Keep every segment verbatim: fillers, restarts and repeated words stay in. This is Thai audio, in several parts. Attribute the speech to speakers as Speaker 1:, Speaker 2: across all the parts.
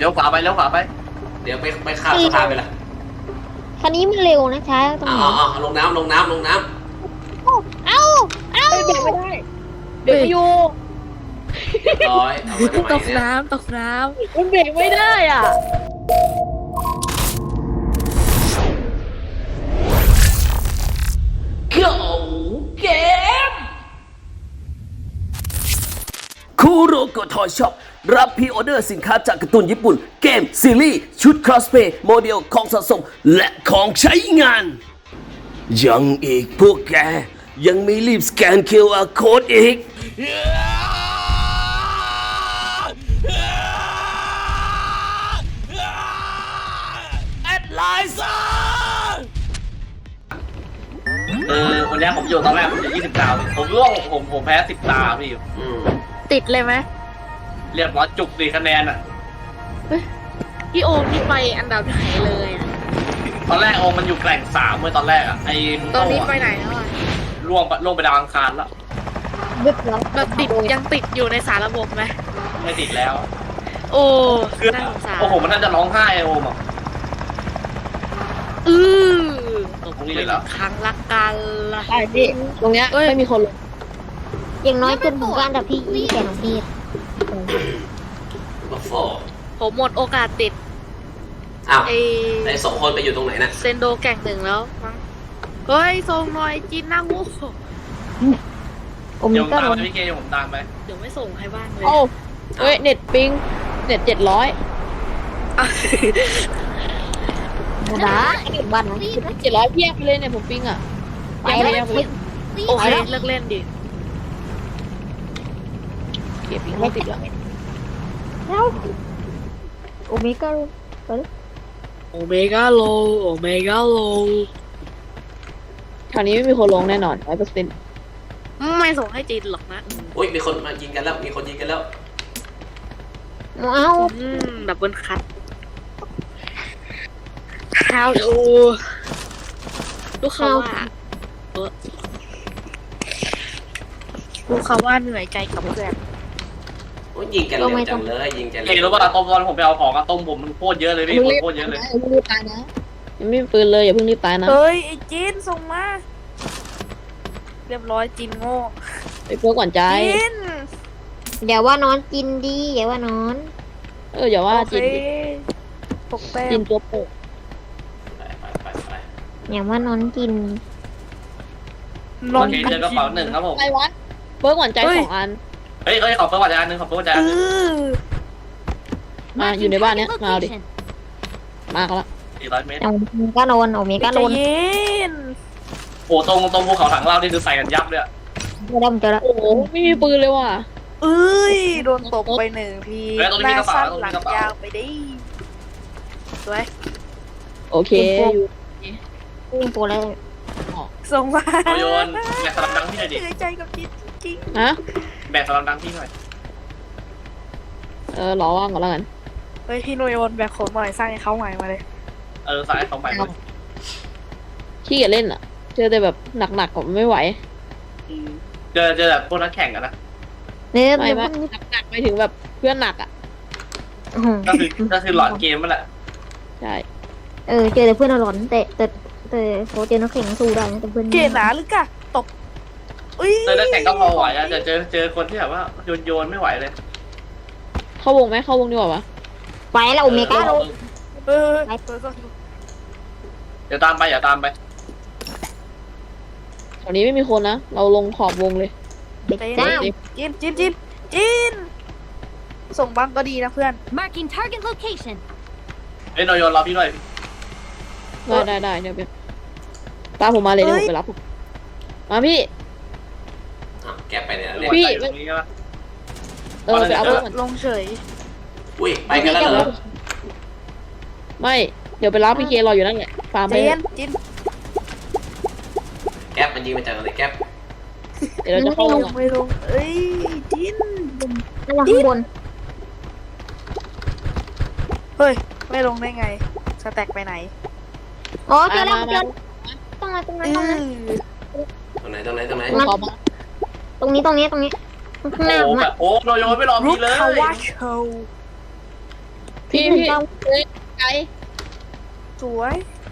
Speaker 1: ลี้ยวขวาไปเลี้ยวขวาไปเดี๋ยวไปไปข้ามสะพานไปละ
Speaker 2: คันนี้มันเร็วนะช้าตรงไหน
Speaker 1: อ๋อลงน้ำลงน้ำลงน้ำ
Speaker 2: เอ้าเอ้า
Speaker 3: เบรกไม่ได้เบรกไม่อยู่
Speaker 1: เรียบร้อยเอาไว้ทำไม
Speaker 3: ตก
Speaker 1: เนี่ย
Speaker 3: น้ำตกน้ำมันเบรกไม่ได้อ่ะ
Speaker 1: เก่าเกมคูโรโกทอยช็อปรับพรีออเดอร์สินค้าจากการ์ตูนญี่ปุ่นเกมซีรีส์ชุดครอสเพย์โมเดลของสะสมและของใช้งาน ยังอีกพวกแกยังไม่รีบสแกน คิว อาร์ Code อีกแอดไลน์ซ่าเออวันนี้ผมอยู่ตอนแรกผมอยู่ยี่สิบดาวผมร่วงผมผมแพ้สิบตาพี่อืม
Speaker 3: ติดเลยไหม
Speaker 1: เรียบร้อยจุกดีคะแนนอ่ะ
Speaker 3: พี่โอมนี่ไปอันดับไหนเลยอ่ะ
Speaker 1: ตอนแรกโอมันอยู่แกล่งสามเมื่อตอนแรกอ่ะไอ้
Speaker 3: ตอนนี้ไปไหนแล้วอ่ะ
Speaker 1: ล่วงไปล่วงไปดาวอังคารแล้ว
Speaker 2: บึ้บแล้ว
Speaker 3: แบบติดยังติดอยู่ในสารระบบไหม
Speaker 1: ไม่ติดแล้ว
Speaker 3: โอ้
Speaker 1: คือ
Speaker 3: น่าสงสาร
Speaker 1: โอ้โหมันน่าจะร้องไห้ไอ้โอมอ่ะ
Speaker 3: อือ
Speaker 1: ตรงนี้เลยเหรอ
Speaker 3: ครั้งละกันละ
Speaker 4: ใช่พี่ตรงเนี้ยไม่มีคนลง
Speaker 2: อย่างน้อยจนถึงการอันดับที่ยี่สิบของพี่
Speaker 1: โอ้โห
Speaker 3: ผมหมดโอกาสติด
Speaker 1: อ้าว
Speaker 3: ไอ
Speaker 1: ไอ้สองคนไปอยู่ตรงไหนน่ะ
Speaker 3: เซนโดแก่งหนึ่งแล้วมั้งเฮ้ยส่งหน่อยจีนหน้างู
Speaker 2: โอมิ
Speaker 1: เดี๋ยวผม
Speaker 2: ก็
Speaker 1: ตาม
Speaker 2: ล
Speaker 1: ไป
Speaker 2: ง
Speaker 1: พี่เกย์เดี๋ยวผมตามไป
Speaker 3: เดี๋ยวไม่ส่งให้บ้างเลย
Speaker 4: โอ้เฮ้ยเน็ตปิงเน็ตเจ็ดร้อย
Speaker 2: โมดาบ้านนะ
Speaker 4: เจ็ดร้อยเพียบไปเลยเนี่ยผมปิงอ่ะ
Speaker 2: ไปแล้ว
Speaker 3: โอเคเลิกเล่นดิ
Speaker 4: เก็บปิงไม่ติดแล้ว
Speaker 2: แล้วโอมิก็ไปเลย
Speaker 3: โอเมก้าโลโอเมก้าโล
Speaker 4: คราวนี้ไม่มีคนลงแน่นอนร้อยเปอร์เซ็นต์
Speaker 3: ไม่ส่งให้จีนหรอกนะ
Speaker 1: อุ้ยมีคนมายิงกันแล้วมีคนยิงกันแล้ว
Speaker 2: เอ้า
Speaker 3: อืมดับเบิลคัทข้าวดูลูกเขาว่าเออลูกเขาว่าเหนื่อยใจกับเพื่อน
Speaker 1: โอ้ยยิงกันเร็วจังเลยยิงกันเร็วเฮ้ยรู้ป่ะต้มตอนผมไปเอาของอะต้มผมมันโคตรเยอะเลยพี่คนโคตรเยอะเลย
Speaker 4: อย่าเพิ่งรีบตายนะยังไม่มีปืนเลยอย่าเพิ่งรีบตายนะ
Speaker 3: เฮ้ยไอ้จีนส่งมา เรียบร้อยจีนโง่
Speaker 4: ไปเพื่อก่อนใจ
Speaker 3: จีน
Speaker 2: อย่าว่านอนกินดีอย่าว่านอน
Speaker 4: เอออย่าว่า
Speaker 3: โอเค
Speaker 4: จิน
Speaker 3: ตกแต้
Speaker 4: จิ
Speaker 3: ม
Speaker 4: นตัวโปก
Speaker 1: ไปไปไปไป
Speaker 2: อย่าว่านอนกิน
Speaker 3: นอน
Speaker 1: โอเคเจอกระเป๋าหนึ่งครับผม
Speaker 4: อะไรวะเพื่อก่อนใจสองอัน
Speaker 1: เฮ้ยเฮ้ยขอเพิ่มวัจจานหนึ่งขอเพิ่มวัจจาน
Speaker 3: เอ
Speaker 1: หนึ่ง
Speaker 3: อ
Speaker 4: มาอยู่ในบ้านเนี้ยมาเอาดิมากันละ
Speaker 1: สี่ร้อยเมตร
Speaker 2: โอมิก็โดนโอมิก็
Speaker 3: ใจ
Speaker 2: โดน
Speaker 3: เย็น
Speaker 1: โอ้ตรงตรงภูเขาถังเรานี่คือใส่กันยับเลยอะ
Speaker 2: เจอแล้วเจอแล้ว
Speaker 4: โอ้โหไม่มีปืนเลยว่ะ
Speaker 3: เอ้ยโดนตกไปหนึ่งทีหน้าสั้นหลังยาวไปดิสวย
Speaker 4: โอเคอยู่
Speaker 2: พุ่งโปแล้ว
Speaker 3: ส่งมา
Speaker 1: โยโยนแบกสลัมดังพี่หน่อยดิ
Speaker 3: เหนื่อยใจกับจีนจริง
Speaker 4: ฮะ
Speaker 1: แบกสลัมดังพี่หน่อย
Speaker 4: เออรอว่างก่อนแล้วกัน
Speaker 3: เฮ้ยพี่โนโยนแบกขนหน่อยสร้างให้เขาใหม่มาเลย
Speaker 1: เออสายของใหม่เลย
Speaker 4: ขี้เกียจเล่นอ่ะ เจอแต่แบบหนักๆก็ไม่ไหว
Speaker 1: อืมเจอเจอแบบพวกนักแข่งกันนะ
Speaker 2: เนี่ย
Speaker 4: ไม่
Speaker 2: เดี๋ยว
Speaker 4: ไม่
Speaker 2: พวกนี้
Speaker 4: หนักๆไปถึงแบบเพื่อนหนักอ่ะ
Speaker 2: อื้อหือ
Speaker 1: ก็คือก็คือหลอดเกมนั่นแหละ
Speaker 4: ใช่
Speaker 2: เออเจอแต่เพื่อนหลอนแต่แต่แต่เขาเจอนักแข่งสู้ได้นะแต่เพื่อน
Speaker 3: เกหนาหรือกะตกอุ้ย
Speaker 1: เจอนักแข่งก็พอไหวอะแต่เจอเจอคนที่แบบว่าโยนโยนไม่ไหวเลย
Speaker 4: เข้าวงไหมเข้าวงดีกว่าวะ
Speaker 2: ไปแล้วโอเมก้าโดน
Speaker 3: เออ
Speaker 1: เดี๋ยวตามไปอย่าตามไป
Speaker 4: ตอนนี้ไม่มีคนนะ เราลงขอบวงเลย
Speaker 2: เด็กเจ้า
Speaker 3: จีนจีนจีนจีนส่งบ้างก็ดีนะเพื่อน
Speaker 5: Marking target location.
Speaker 1: เอ้ยโนโยนรอพี่หน่อย
Speaker 4: ได้ได้ได้เดี๋ยวไปตามผมมาเลยเดี๋ยวผมไปรับผมมาพี่
Speaker 1: แกไปเนี่ย
Speaker 4: พี่
Speaker 1: ตรงนี้ใช่ปะ
Speaker 4: เออไปเอาเพื่อนก่อน
Speaker 3: ลงเฉย
Speaker 1: อุ้ยไปกันแล้วเหรอ
Speaker 4: ไม่ เดี๋ยวไปรับพี่เครออยู่นั่นแหละฟาร์มไป
Speaker 3: จี
Speaker 4: เลย
Speaker 3: นจีน
Speaker 1: แก๊ปมันยิงมาจากอะไรแก๊ป
Speaker 4: เดี๋ยวเราจะเข้าลง
Speaker 3: ไม่ลงเอ้ยจีน
Speaker 2: ระวังข้างบน
Speaker 3: เฮ้ยไม่ลงได้ไงสแต็กไปไหน
Speaker 2: อ๋อเจอแล้ว
Speaker 4: มา
Speaker 2: เจ
Speaker 4: มา
Speaker 2: อตรงไหนตรงไหน
Speaker 3: อื
Speaker 2: ตรงไหน
Speaker 3: อ
Speaker 1: ตรงไหนตรงไหนตรงไหน
Speaker 4: ผมขอมา
Speaker 2: ตรงนี้ตรงนี้ตรงนี้ข้างหน้า
Speaker 1: โอ้
Speaker 2: ผม
Speaker 1: แบ
Speaker 2: อะ
Speaker 1: บโอ้โนโยนไม่รอ
Speaker 3: ลู
Speaker 1: พี่
Speaker 3: ก
Speaker 1: เลย
Speaker 3: คาวาโชว์
Speaker 4: พี่
Speaker 2: หนึ่ง
Speaker 4: พี่
Speaker 2: เก้า
Speaker 4: เฮ้ยไกล
Speaker 3: สวย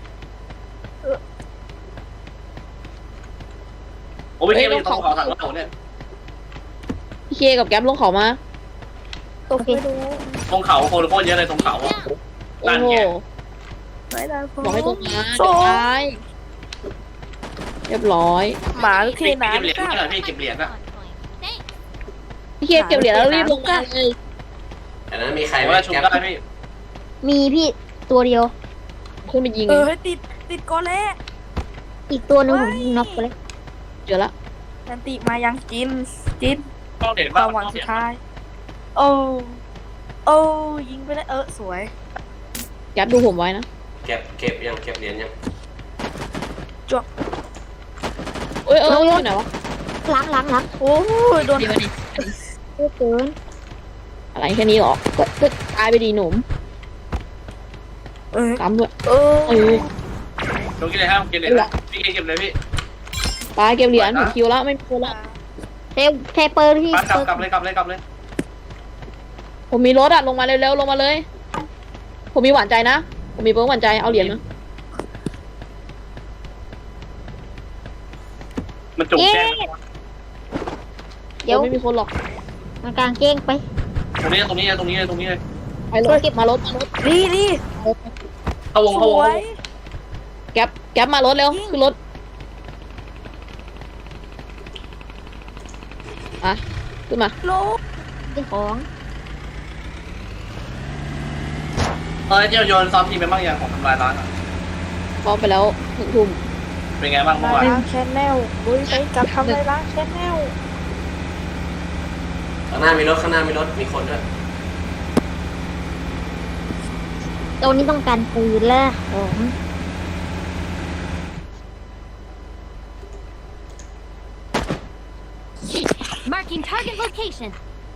Speaker 1: โอ้ไม่ใช่ไม่ใช่ต้องเขาทางเราเนี่ย
Speaker 4: พี่เคกับแก๊ปลงเขามา
Speaker 3: ตกไม่รู้
Speaker 1: ตรงเขาโคโลโคเยอะเลยตรงเขาอ่ะ
Speaker 4: โอ้
Speaker 1: นั่น
Speaker 4: โห
Speaker 1: ไง
Speaker 3: ไม่ได้พ
Speaker 4: บอกให้ตรงมา
Speaker 3: โซ่
Speaker 4: เดี๋ยวตายเรียบร้อย
Speaker 3: หมาเท
Speaker 1: พี่
Speaker 3: น้
Speaker 1: เก็บเหรียญนี่เหรอพี่เก็บเหรียญอะ
Speaker 4: พี่เคเก็บเหรียญแล้วรีบลงมาเลย
Speaker 5: อันนั้นมีใคร
Speaker 1: ใคร
Speaker 5: ไหม
Speaker 1: ว่าชุบ
Speaker 5: แก๊ป
Speaker 1: ได้พี่
Speaker 2: มีพี่ตัวเดียว
Speaker 4: ขึ้นไปยิง
Speaker 3: ำเออให้ติดติดโกเล่
Speaker 2: อีกตัวหนึงผมยิงน็อกไปเลย
Speaker 4: เจอละ
Speaker 3: นันติมายังจินจิน
Speaker 1: ต้องเหรียญ
Speaker 3: ค
Speaker 1: บ้าง
Speaker 3: วามหวังสุดท้าย โอ้โอ้ยิงไปได้เออสวย
Speaker 4: แก๊ปดูผมไว้นะ
Speaker 5: เก็บเก็บยังเก็บเหรียญยัง
Speaker 4: เอ้ยเอออยู่ไหนวะ
Speaker 2: ล้างล้างล้าง
Speaker 3: โอ้ยโดน
Speaker 4: ดีมาดิ
Speaker 2: เยอะเกิน
Speaker 4: อะไรแค่นี้หรอก็ก็ตายไปดีหนุ่ม
Speaker 3: เออ
Speaker 4: ตามด้วย
Speaker 3: เออ
Speaker 4: เออ
Speaker 1: ลงกินเลยครับกินเลยพี่เก็บเลยพี่
Speaker 4: ตายเก็บเหรียญผมคิวแล้วไม่มีคนละ
Speaker 2: เทเทเปอร์ที่
Speaker 1: กลับกลับเลยกลับเลยกลับเลย
Speaker 4: ผมมีรถอะลงมาเร็วๆลงมาเลย ผมมีหวานใจนะ ผมมีเปิ้ลหวานใจเอาเหรียญมา
Speaker 1: มันจุกแจ้ง
Speaker 2: เดี๋ยว
Speaker 4: ไม่มีคนหรอก
Speaker 2: มันกลางเก้งไป
Speaker 1: ตรงนี้ตรงนี้ตรงนี้ตรงนี้เลย
Speaker 4: ไปรถเก็บมารถมารถ
Speaker 3: ดีดี
Speaker 1: เข้าวง
Speaker 3: ส
Speaker 1: เข้าวง
Speaker 3: วย
Speaker 4: แก๊ปแก๊ปมารถเร็วขึ้นรถอ่ะขึ้นมา
Speaker 3: โล
Speaker 2: เป็นของ
Speaker 1: เออเจ้าโยนซ้อมทีมไปบ้างอย่างของทำลายร้านอ่ะ
Speaker 4: พร้อมไปแล้วหนึ่งทุ่ม
Speaker 1: เป็นไงบ้างเมื่อ
Speaker 3: มา
Speaker 1: วาน
Speaker 3: ล้างแชนแนลบุ้ยไปกับทำอะไรล้างแชนแนล
Speaker 5: ข้างหน้ามีรถข้างหน้ามีรถมีคนด้วย
Speaker 2: ตัวนี้ต้องการปืนและของ
Speaker 6: Marking target location.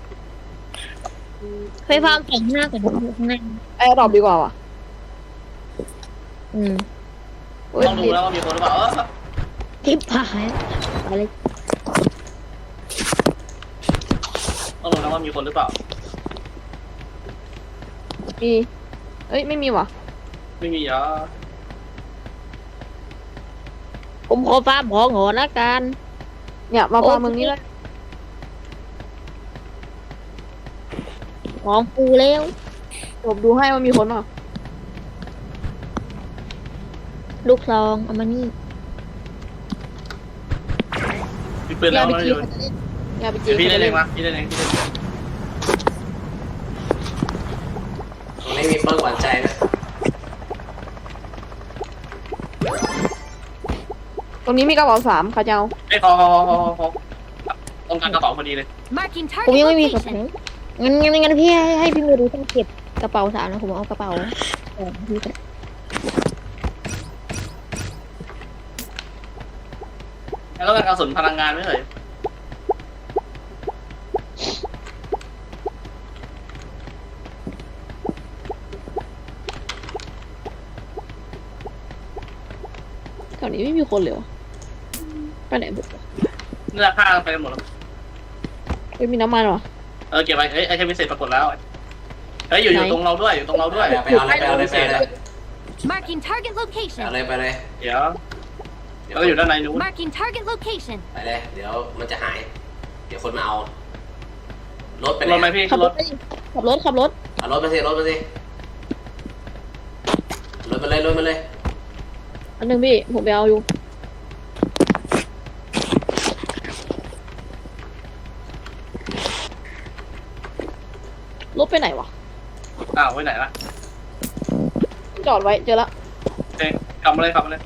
Speaker 2: ไฟฟ้าแข็งหน้าก่อนข้างหน้า
Speaker 4: แอร์ดรอปดีกว่าว่ะ
Speaker 2: อืม
Speaker 4: โอ้ย
Speaker 1: ต้องดูแล้วว่ามีคนหรือเปล่าเออ
Speaker 2: ทิพหายไปเลย
Speaker 1: ต้องดูแล้วว่ามีคนหรือเปล่า
Speaker 4: มีเอ้ยไม่มีว่ะ
Speaker 1: ไม่มีอ่ะ
Speaker 2: ผมขอฟ้าหมอหอละกัน
Speaker 4: เนี่ยมาฟาร์มเมืองนี้เลย
Speaker 2: หอมปูแล้ว
Speaker 4: ผมดูให้ว่ามีคนเปล่า
Speaker 2: ลูกซองเอามานี่
Speaker 1: มีปืนแล้ว
Speaker 4: ยาไป
Speaker 1: นะ
Speaker 4: จี
Speaker 1: โยน
Speaker 4: ยาไปจี
Speaker 1: เดี๋ยวพี่ได้เองมาพี่ได้เองพี่ได้เอง
Speaker 5: ตรงนี้มีเปิ้ลหวานใจนะ
Speaker 4: ตรงนี้มีกระเป๋าสามค่ะเจ้า
Speaker 1: ไอ้ยขอขอขอขอขอต้องการกระเป๋าพอดีเลย
Speaker 6: Marking
Speaker 2: ผม
Speaker 6: target
Speaker 2: ยังไม่มีกระเป๋า
Speaker 6: location.
Speaker 2: งั้นงั้นงั้นพี่ให้ให้พี่มือดูต้องเก็บกระเป๋าสามนะผมเอากระเป๋าเออพี่จะ
Speaker 1: แล้วก็เป็นกระสุนพลังงานไม่เลย
Speaker 4: แถวนี้ไม่มีคนเลยวะไปไหนบุกวะ
Speaker 1: เนื้อฆ่าไปกันหมดแล้ว
Speaker 4: ไม่มีน้ำมันวะ
Speaker 1: เออเก็บไปเอ้ยไอเทมพิเศษปรากฏแล้วเฮ้ยอยู่อยู่ตรงเราด้วยอยู่ตรงเราด้วย
Speaker 5: ไปเอาเลยไปเอาเลยไปเอาเลย
Speaker 6: Marking target
Speaker 5: ไปเอา
Speaker 6: location.
Speaker 5: เลยไปเลย
Speaker 1: เดี๋ยวเราอยู่ด้านในนู้น
Speaker 6: Marking target location.
Speaker 5: ไปเลย เดี๋ยวมันจะหาย เดี๋ยวคนมาเอา รถไป
Speaker 1: ร
Speaker 5: ไหน
Speaker 1: ถไหมพี่
Speaker 4: ขับ
Speaker 1: ร
Speaker 4: ร
Speaker 1: ถ
Speaker 4: ถไปขับรถขับรถ
Speaker 5: เอารถมาสิรถมาสิรถมาเลยรถมาเลย
Speaker 4: อันหนึ่งพี่ผมไปเอาอยู่รถไปไหนวะ
Speaker 1: อ้าวไว้ไหนล่ะ
Speaker 4: จอดไว้เจอละ
Speaker 1: เอ้ยกลับมาเลยกลับมาเลย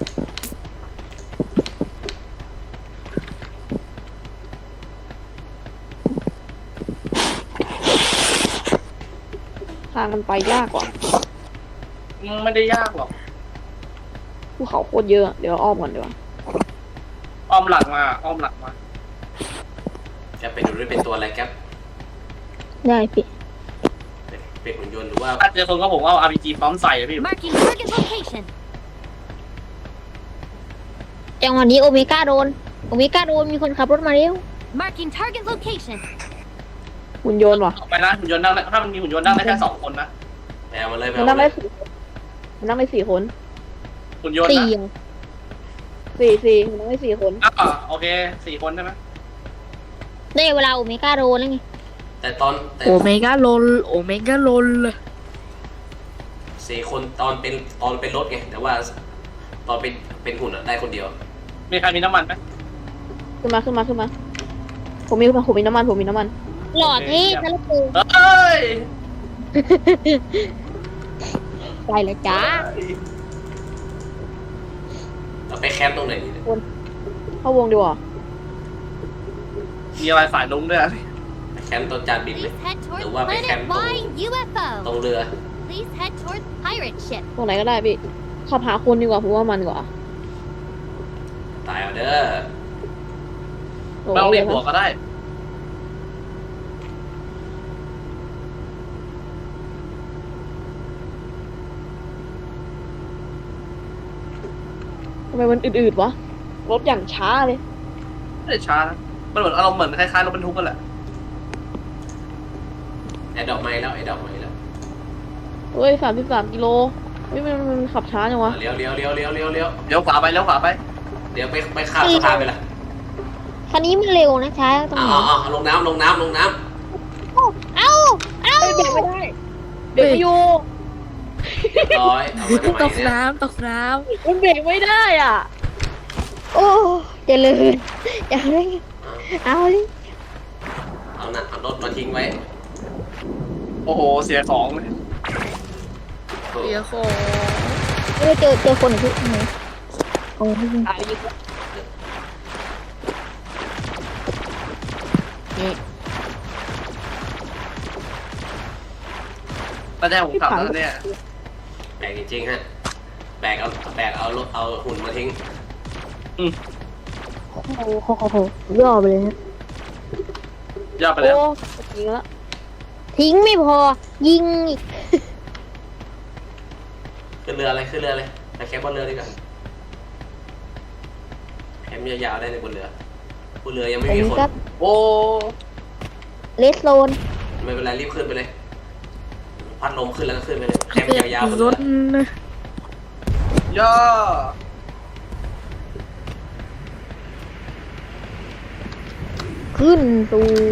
Speaker 4: ทางมันไปยากกว่า
Speaker 1: ไม่ได้ยากหรอก
Speaker 4: ภูเขาโคตรเยอะเดี๋ยวอ้อมก่อนดีกว่า
Speaker 1: อ้อมหลังมาอ้อมหลังมา
Speaker 5: แกเป็นดูด้วยเป็นตัวอะไรแกป
Speaker 2: ได้พี่
Speaker 5: เป็นเป็นหุ่นยนต์หรือว่า
Speaker 1: ถ้าเจอคนก็ผมเอา อาร์ พี จี พร้อมใส่อะพี่
Speaker 6: Marking target location.
Speaker 2: จังหวะนี้โอเมก้าโดนโอเมก้าโดนมีคนขับรถมาเร็ว
Speaker 6: Marking target location.
Speaker 4: หุ่นยนต์ว่ะ
Speaker 1: ออกไปนะหุ่นยนต์นั่งได้ถ้ามันมีหุ่นยนต์นั่งได้แค่สองคนนะ
Speaker 5: ไปเอามาเลยไป
Speaker 4: มัน
Speaker 5: เอา
Speaker 4: นั่ง
Speaker 5: มาเล
Speaker 4: ได้
Speaker 5: ย
Speaker 4: สี่มันนั่งได้สี่คน
Speaker 7: หุ่นยนต์
Speaker 2: สี่
Speaker 7: นะ
Speaker 4: สี่สี่มันนั่งได้สี่คน
Speaker 7: อ่ะโอเคสี่คนใช่ไหม
Speaker 2: ได้เวลาโอเมก้าโรแล้วไง
Speaker 5: แต่ตอนแต่
Speaker 3: โอเมก้าโลลโอเมก้าโลล
Speaker 5: สี่คนตอนเป็นตอนเป็นรถไงแต่ว่าตอนเป็นเป็นหุ่นอะได้คนเดียว
Speaker 7: มีใครมีน้ำมันไหม
Speaker 4: ขึ้นมาขึ้นมาขึ้นมาผมมีผมมีน้ำมันผมมีน้ำมัน
Speaker 2: หลอดที่ทะลุปู
Speaker 7: เอ้ย
Speaker 2: ไปเลยจ้า
Speaker 5: เราไปแคมป์ตรงไหนดีเนี่ย
Speaker 4: เข้าวงดีกว่า
Speaker 7: มีอะไรสายลุงด้วยอะ
Speaker 5: ไปแคมป์ตอนจานบินไหม
Speaker 6: Please head towards
Speaker 5: Đừng qua mấy
Speaker 6: Planet
Speaker 5: cam tù.
Speaker 6: Y U F
Speaker 5: ตรง
Speaker 6: O.
Speaker 5: เรือ
Speaker 6: Please head towards pirate ship.
Speaker 4: ตรงไหนก็ได้พี่ขับหาคนดีกว่าผมว่ามันกว่า
Speaker 5: ตายเอาเด้อ
Speaker 4: โอ้
Speaker 7: ไม่ต้องเรียก
Speaker 4: โห
Speaker 7: หัวก็ได้
Speaker 4: ทำไมมันอืดๆวะรถอย่างช้าเลย
Speaker 7: ไม่ได้ช้านะมันเหมือนอารมณ์เหมือนคล้ายๆรถบรรทุกกันแหละ
Speaker 5: ไอ้ดอกไม้แล้วไอ้ดอกไม้แล้ว
Speaker 4: เฮ้ยสามสิบสามกิโลเฮ้ยมันมันขับช้าจังวะ
Speaker 5: เลี้ยวเลี้ยวเลี้ยวเลี้ยวเลี้ยวเลี้ยว
Speaker 7: เลี้ยวขวาไปเลี้ยวขวาไป
Speaker 5: เดี๋ยวไปไปข้ามสะพานไปละ
Speaker 2: คันนี้มันเร็วนะช้าตรง
Speaker 5: เอา
Speaker 2: ไหน
Speaker 5: เอาเอาลงน้ำลงน้ำลงน้
Speaker 2: เอ้าเอ้า
Speaker 4: เฮ้ยเบรกไม่ได้เบรกไม่อยู่
Speaker 5: ำเรียบร้อยเอามาทำไม
Speaker 3: ตก
Speaker 5: เนี่ย
Speaker 3: น้ำตกน้
Speaker 4: มันเบรกไม่ได้อ่ะ
Speaker 2: โอ้เจริญอย่าเลยเอาเลย
Speaker 5: เอาน่ะเอารถมาทิ้งไว้
Speaker 7: โอ้โหเสียของเลย
Speaker 5: โอ้
Speaker 3: ำเสียของ
Speaker 2: เออเจอเจอคนอีกทีไหนโอ้ย
Speaker 4: ตายยิง
Speaker 7: ตอนแรกผมขับแล้วเนี่ย
Speaker 5: แบกจริงๆฮะแบกเอาแบกเอารถเอาหุ่นมาทิ้ง
Speaker 2: โอ้โหโอ้โหโอ้โหย่อไปเลยฮะ
Speaker 7: ย่อไป
Speaker 4: โอ้
Speaker 7: แล้ว
Speaker 4: ยิงแล้ว
Speaker 2: ทิ้งไม่พอ ยิงอีก
Speaker 5: ขึ้นเรืออะไรขึ้นเรือเลยไปแคมป์บนเรือดีกว่าแคมป์ยาวๆได้ในบนเรือบนเรือยังไม่
Speaker 2: อัน
Speaker 5: มี
Speaker 2: นี้
Speaker 5: คน
Speaker 2: ก็
Speaker 7: โอ้
Speaker 2: เลสโซน
Speaker 5: ไม่เป็นไรรีบขึ้นไปเลย พัดลมขึ้นแล้วก็ขึ้นไปเลยแคมป์ยาวๆบน
Speaker 3: ร
Speaker 5: เรือ
Speaker 3: ถนะ
Speaker 7: ย่อ
Speaker 2: ขึ้นตู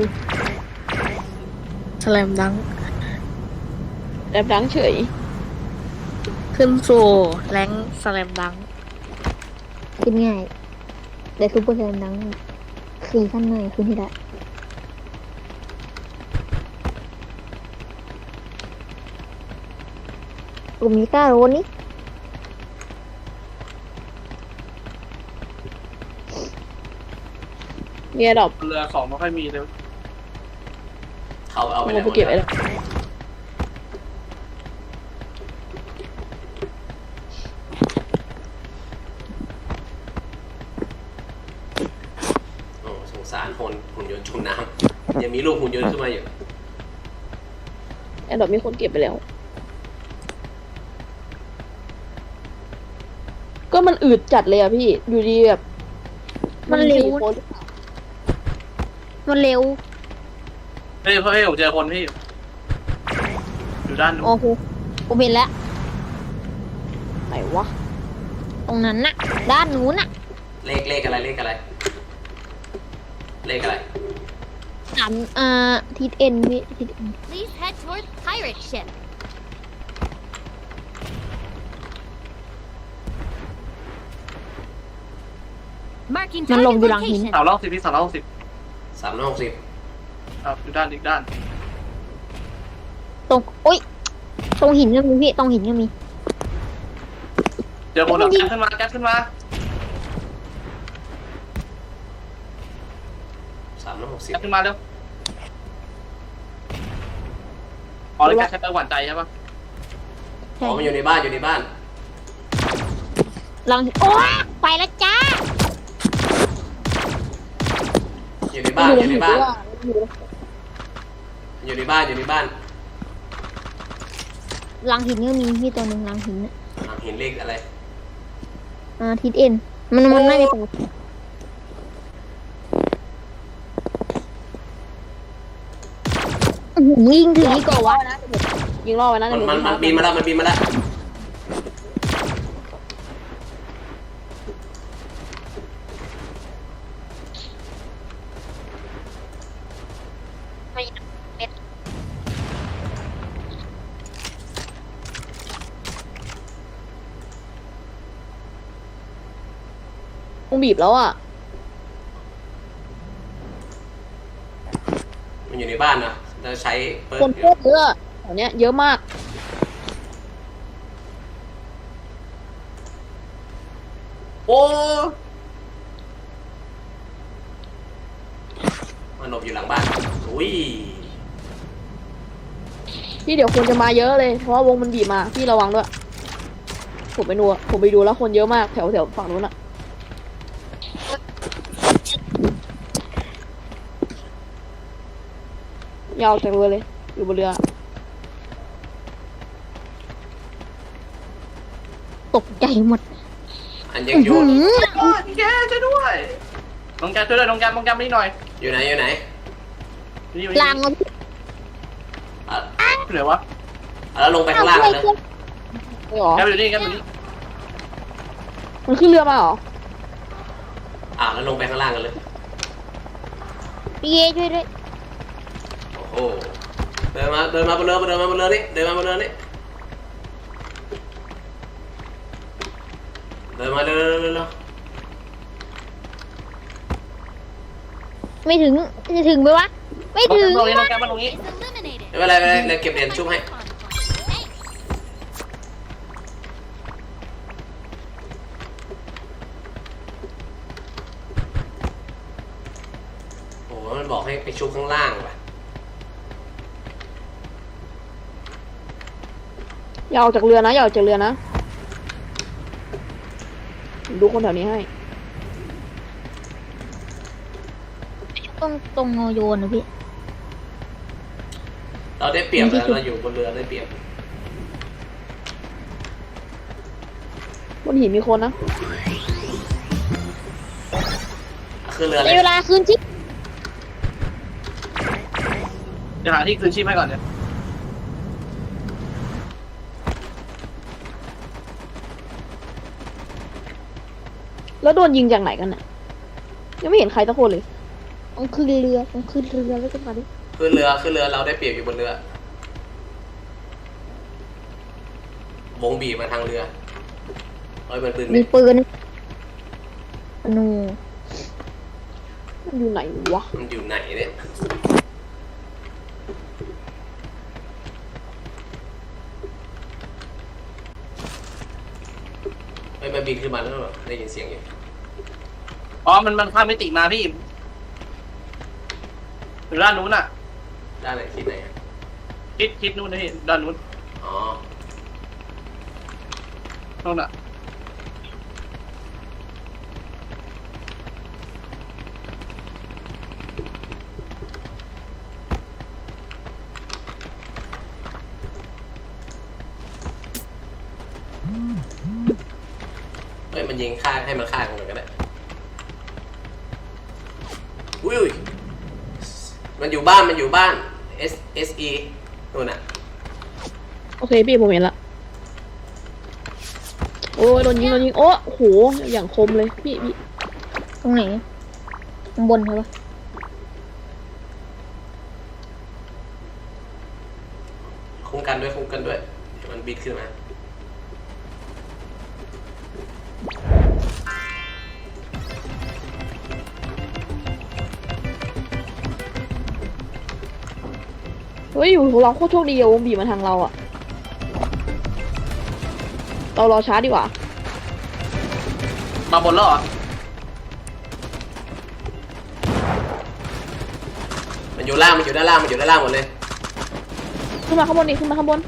Speaker 3: สแลมดัง
Speaker 4: แอบดังเฉย
Speaker 3: ขึ้นสู่แรงสแลมดัง
Speaker 2: ขึ้นง่ายแต่ซูเปอร์แซนดังขี่ขั้นหน่อยขึ้นที่ได้กลุ่มนี้กล้าโรนนี่
Speaker 4: เนี่ยดอก
Speaker 7: เรือของไม่ค่อยมีเลย
Speaker 5: เขาเอาไป
Speaker 4: โอ้
Speaker 5: แล้ว
Speaker 4: ไปเก็บไอ้ดอก
Speaker 5: โอ้สงสารหุ่นหุ่นยนต์จมน้ำยังมีลูกหุ่นยนต์ขึ้นมาอยู่
Speaker 4: ไอ้ดอกมีคนเก็บไปแล้ว ก็มันอืดจัดเลยอะพี่อยู่ดีแบบ
Speaker 2: มันเร็ว
Speaker 4: สี่คน
Speaker 2: มันเร็ว
Speaker 7: เฮ้ยเฮ้ยผมเจอคนพี่ อยู่ด้านนู้น
Speaker 2: โอ้โหผมเห็นแล้ว
Speaker 4: ไหนวะ
Speaker 2: ตรงนั้นน่ะ ด้านนู้นน่ะ
Speaker 5: เลขเลขอะไรเลขอะไร เลขอะไร
Speaker 2: สามอ่าทิศเอ็นพี่ทิศเอ็น
Speaker 6: Please head towards pirate ship. Marking
Speaker 2: มันลง
Speaker 6: target
Speaker 2: อยู่หลังหิน
Speaker 6: location.
Speaker 7: สามรอบสิบพี่สามรอบสิบ
Speaker 5: สามร้อยหกสิบ
Speaker 7: ครับอยู่ด้านอีกด้าน
Speaker 2: ตรงโอ๊ยตรงหินก็มีพี่ตรงหินก็มี
Speaker 7: เจอคนแล้วแก๊สขึ้นมาแก๊สขึ้นมา
Speaker 5: สามร้อยหกสิบ
Speaker 7: แก๊สขึ้นมาเร็วอ๋อแล้วแก๊สใช้ไปหวานใจใช่ปะ
Speaker 2: ใช่
Speaker 5: อ๋อมันอยู่ในบ้านอยู่ในบ้าน
Speaker 2: หลังโอ๊ยไปแล้วจ้า
Speaker 5: อยู่ในบ้านอยู่ในบ้านอยู่ในบ้านอยู่ในบ้าน
Speaker 2: หลังหินก็มีพี่ตัวหนึ่งหลังหินน่ะ
Speaker 5: อ่ะเห็นเลขอะไร
Speaker 2: อ่าทิศเอ็นมันมันน่าจะตกอื้อหือยิงถึงนี่ก่อนวะ
Speaker 4: นะยิงล่อไว้นะ
Speaker 5: มัน
Speaker 4: เดี๋ยว
Speaker 5: มันมันบินมาแล้วมันบินมาแล้ว
Speaker 4: คงบีบแล้วอ่ะ
Speaker 5: มันอยู่ในบ้านนะจะใช้เปิด
Speaker 4: คนโคตรเยอะแถวเนี้ยเยอะมาก
Speaker 7: โอ้
Speaker 5: มันหลบอยู่หลังบ้านอุ้ย
Speaker 4: พี่เดี๋ยวคนจะมาเยอะเลย เพราะว่าวงมันบีบมา พี่ระวังด้วย ผมไปดูอะผมไปดูแล้วคนเยอะมากแถวแถวฝั่งนู้นอะยาวจากเรือเลย อยู่บนเรือ
Speaker 2: ตกใจหมด
Speaker 5: อันยังโยน
Speaker 7: โอ้ยแกช่วยด้วยน้องแกช่วยด้วยน้องแกน้องแกมานี่หน่อย
Speaker 5: อยู่ไหนอยู่ไหน
Speaker 7: นี่
Speaker 2: ลางเอา
Speaker 5: อ่ะ
Speaker 7: อยู่ไหนวะ
Speaker 5: อ่ะแล้วลงไปข้างล่างเลย
Speaker 4: ไม่หรอ
Speaker 7: แกอยู่นี่แกอยู่นี่
Speaker 4: มันขึ้นเรือมาเหรอ
Speaker 5: อ่ะแล้วลงไปข้างล่างกันเลย
Speaker 2: พี่เอช่วยด้วย
Speaker 5: โอ้โหเดินมาเดินมาบนเรือเดินมาบนเรือนี่เดินมาบนเรือนี่เดินมาเร็วเร็วเร็วเร็ว
Speaker 2: ไม่ถึงจะถึงไหมวะ ไม่
Speaker 7: น้อง
Speaker 2: ถึ
Speaker 7: แก
Speaker 2: ง
Speaker 7: มาตรงนี้น้องแกมาตรงนี้
Speaker 6: Is eliminated.
Speaker 5: ไม่เป็นไรไม่เป็นไรเดี๋ยวเก็บเหรียญชุบให้
Speaker 6: Thanks.
Speaker 5: โอ้โหมันบอกให้ไปชุบข้างล่างว่ะ
Speaker 4: อย่าออกจากเรือนะอย่าออกจากเรือนะ ดูคนแถวนี้ให้
Speaker 2: ต้องตรงโยนนะพี่
Speaker 5: เราได้เปรียบแล้วเราอยู่บนเรือได้เปรียบบ
Speaker 4: นหินมีคนนะ
Speaker 5: ขึ้นเรือเล
Speaker 2: ใน
Speaker 5: ย
Speaker 2: เวลาคืนที่
Speaker 7: เดี๋ยวหาที่คืนชีพให้ก่อนเนี่ย
Speaker 4: แล้วโดนยิงจากไหนกันน่ะยังไม่เห็นใครสักคนเลย
Speaker 2: ต้องขึ้นเรือต้องขึ้นเรือแล้วก็มาดิ
Speaker 5: ขึ้นเรือขึ้นเรือเราได้เปรียบอยู่บนเรือวงบีบมาทางเรือเอ้ยมันปืน
Speaker 2: มีปืนนู
Speaker 4: มันอยู่ไหนวะ
Speaker 5: มันอยู่ไหนเนี่ยเฮ้ยมันบินขึ้นมาแล้วเหรอได้ยินเสียงอยู่
Speaker 7: อ๋อมันมันข้ามมิติมาพี่อยู่ด้านนู้นอ่ะ
Speaker 5: ด้านไหนที่ไหนอะ
Speaker 7: คิดคิดนู้นนะพี่ด้านนู้น
Speaker 5: อ๋อ
Speaker 7: นู้นอ่ะ
Speaker 5: เฮ้ยมันยิงฆ่าให้มันฆ่ากันเลยก็ได้อุ้ยอุ้ยมันอยู่บ้านมันอยู่บ้าน S S E นู่นน่ะ
Speaker 4: โอเคพี่ผมเห็นละ โอ้ยโดนยิงโดนยิงโอ้โหอย่างคมเลยพี่พี่
Speaker 2: ตรงไหนข้างบนใช่ปะ
Speaker 5: คุ้มกันด้วยคุ้มกันด้วยเดี๋ยวมันบิดขึ้นมา
Speaker 4: เฮ้ยอยู่เราโคตรโชคดีอะวงบีบมาทางเราอะเรารอช้าดีกว่า
Speaker 7: มาบนแล้วเหรอ
Speaker 5: มันอยู่ล่างมันอยู่ด้านล่างมันอยู่ด้านล่างหมดเลย
Speaker 4: ขึ้นมาข้างบนดิขึ้นมาข้างบน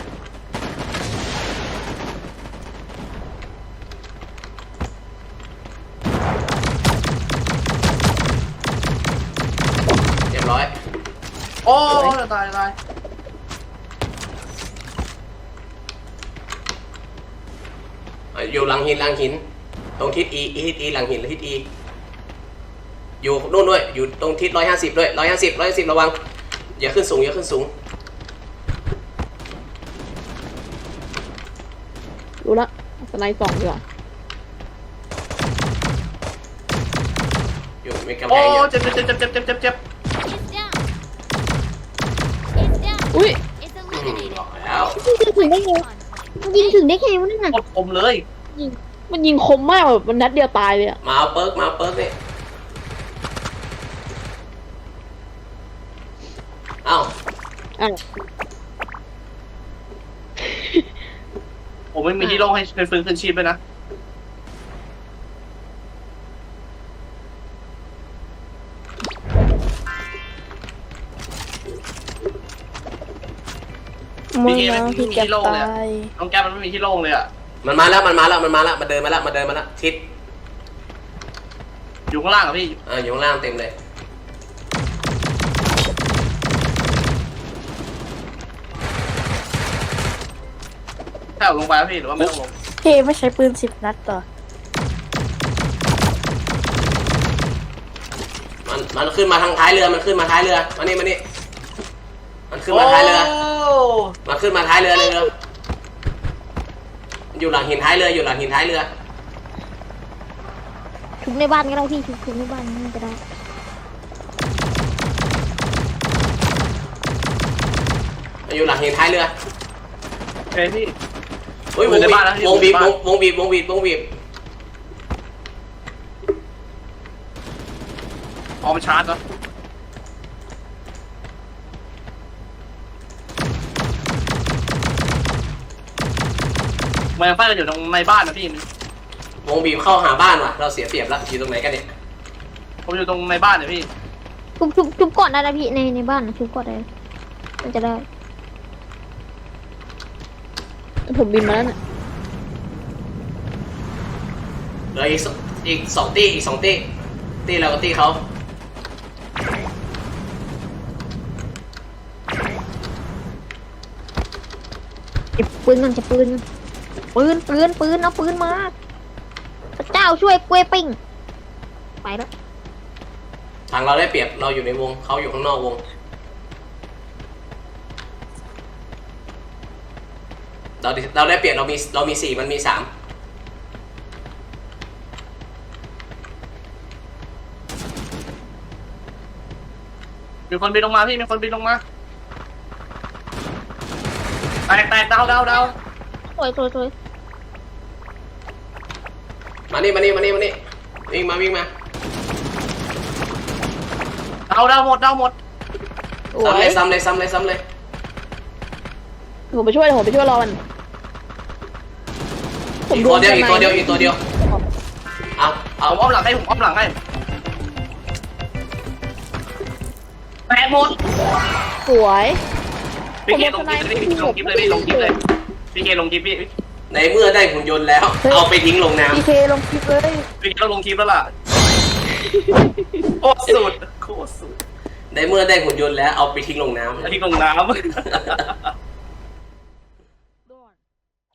Speaker 5: เรียบร้อย
Speaker 7: โอ้ตายตาย
Speaker 5: อ่ะอยู่หลังหินหลังหิน ตรงทิศ E ทิศ E หลังหินหรือทิศ E อยู่นู่นด้วยอยู่ตรงทิศร้อยห้าสิบด้วยร้อยห้าสิบร้อยห้าสิบระวังอย่าขึ้นสูงอย่าขึ้นสูง
Speaker 4: รู้ละสไลด์สองดีกว่า
Speaker 5: อยู่มีกำแพ
Speaker 7: โอ้
Speaker 5: งอยู่
Speaker 7: เจ็บเจ็บเจ็บเจ็บเจ็บเจ็บเจ็บ
Speaker 6: It's down. It's down.
Speaker 4: อุ้ย
Speaker 6: It's
Speaker 5: อืม
Speaker 6: eliminated.
Speaker 5: บอกแล้ว
Speaker 2: ยิงถึงได้ไง
Speaker 6: On point.
Speaker 2: มันยิงถึงได้ไงวะนั่นน่ะ
Speaker 7: กดคมเลย
Speaker 4: ยิงมันยิงคมมากแบบมันนัดเดียวตายเลยอะ
Speaker 5: มาเอาเปิร์กมาเอาเปิร์กนี่เอ้า
Speaker 4: อ่ะ
Speaker 7: ผมไม่มีที่โล่งให้เป็นฟื้นคืนชีพเลยนะ
Speaker 3: มึงนะพี่จะตาย
Speaker 7: น้องแก้มมันไม่มีที่โล่งเลยอ่ะ
Speaker 5: มันมาแล้วมันมาแล้วมันมาแล้วมันเดินมาแล้วมันเดินมาแล้วทิศ
Speaker 7: อยู่ข้างล่างอ่ะพี่
Speaker 5: อ่าอยู่ข้างล่างเต็มเลย
Speaker 7: แค่เอาลงไปแล้วพี่หรือว่าไม่ต้องลง
Speaker 3: พี่ไม่ใช้ปืนสิบนัดต่อ
Speaker 5: มันมันขึ้นมาทางท้ายเรือมันขึ้นมาท้ายเรือมานี่มานี่มันขึ้นมาท้ายเรือ
Speaker 7: โอ้
Speaker 5: มันขึ้นมาท้ายเรือเลยเรืออยู่หลังหินท้ายเรืออยู่หลังหินท้ายเรือ
Speaker 2: ทุบในบ้านก็ได้พี่ทุบทุบในบ้านนี่ก็ได้
Speaker 5: อยู่หลังหินท้ายเรือ
Speaker 7: โอเคพี่
Speaker 5: อุ้ยวง
Speaker 7: อยู่ใน
Speaker 5: บีบ
Speaker 7: บ้านแล้วอยู่
Speaker 5: วงบีบ
Speaker 7: ในบ้าน
Speaker 5: วงบีบวงบีบวงบีบ
Speaker 7: เอามาชาร์จแล้วมันยังไฟกันอยู่ตรงในบ้านนะพี่
Speaker 5: วงบีบเข้าหาบ้านว่ะเราเสียเปรียบแล้วอยู่ตรงไหนกันเนี่ย
Speaker 7: ผมอยู่ตรงในบ้านเนี่ยพี่
Speaker 2: ทุบทุบทุบก่อนได้นะพี่ในในบ้านนะทุบก่อนได้มันจะได้
Speaker 4: ผมบินมาแล้วเนี่ย
Speaker 5: เหลืออีกสอีกสองตีอีกสองตีตีเรากับตีเขา
Speaker 2: เก็บปืนก่อนจะปืนปืนปืนปืนเอาปืนมาพระเจ้าช่วยกล้วยปิ้งไปแล้ว
Speaker 5: ทางเราได้เปรียบเราอยู่ในวงเขาอยู่ข้างนอกวงเราเราได้เปรียบเรามีเรามีสี่มันมีสาม
Speaker 7: มีคนบินลงมาพี่มีคนบินลงมาแตกแตกดาวดาวดาว
Speaker 2: สวยสวยสวย
Speaker 5: มานี่มานี่มานี่มานี่วิ่งมาวิ่งมา
Speaker 7: ดาวดาวหมดดาวหมด
Speaker 4: โอ้
Speaker 5: ซ้ำเลย
Speaker 4: ย
Speaker 5: ซ้ำเลยซ้ำเลยซ้ำเลย
Speaker 4: ผมไปช่วยผมไปช่วยรอมันผม
Speaker 5: อีก
Speaker 4: โด
Speaker 5: ตัวน เดียวอีกตัวเดียวอีกตัวเดียวเอาเอา
Speaker 7: ผมอ้อมหลังให้ผมอ้อมหลังให้แตกหมด
Speaker 4: สวย
Speaker 7: พี่เคลงคลิปเลยพี่ลงคลิปเลยพี่ลงคลิปเลยพี่เคลงคลิปพี่
Speaker 5: ในเมื่อได้หุ่นยนต์แล้ว เอาไปทิ้งลงน้
Speaker 2: พีเคลงคลิปเลย
Speaker 7: พี่เคลงคลิปแล้วล่ะโคตรสุดโคตรสุด
Speaker 5: ำในเมื่อได้หุ่นยนต์แล้วเอาไปทิ้งลงน้ำ
Speaker 7: ที่ลงน้ำ